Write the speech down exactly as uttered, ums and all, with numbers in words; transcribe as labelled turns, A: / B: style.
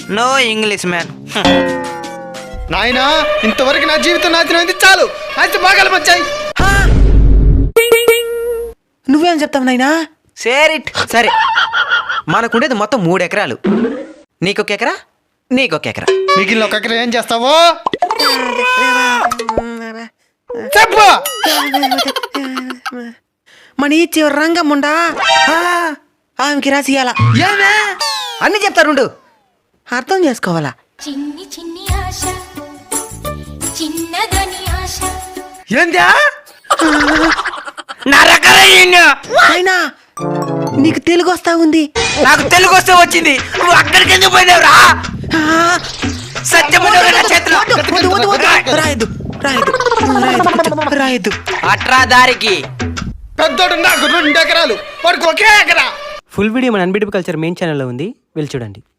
A: No English man.
B: నాయనా ఇంతవరకు నా జీవితం నాశనమైంది, చాలు. అయితే బాగా వచ్చాయి.
C: నువ్వేం చెప్తావు నాయనా?
A: సేరిట్ సరే, మనకుండేది మొత్తం మూడు ఎకరాలు. నీకొక ఎకరా, నీకొక ఎకరా.
B: మిగిలిన ఒక ఎకరా ఏం చేస్తావో చెప్పు.
C: మన ఈ చివరి రంగమ్ముండా ఆమెకి రాసియాల.
A: ఏమే అన్ని చెప్తారుండు,
C: అర్థం చేసుకోవాలా?
D: చిన్ని చిన్ని ఆశ, చిన్నదని ఆశ.
A: ఏందా నరకరయ్యా?
C: అయినా నీకు తెలుగు వస్తా ఉంది.
A: నాకు తెలుగు వస్తే వచ్చింది, నువ్వు అక్కడికి ఎందుకు పోయినావురా? సత్యము చేతిలో
C: రాయద్దు రాయద్దు రాయద్దు రాయద్దు.
A: అట్రా దారికి.
B: పెద్దోడు నాకు రెండు ఎకరాలు, వాడికి ఒకే ఎకరా.
E: ఫుల్ వీడియో మన అన్బిటబుల్ కల్చర్ మెయిన్ ఛానల్లో ఉంది, వెళ్ళి చూడండి.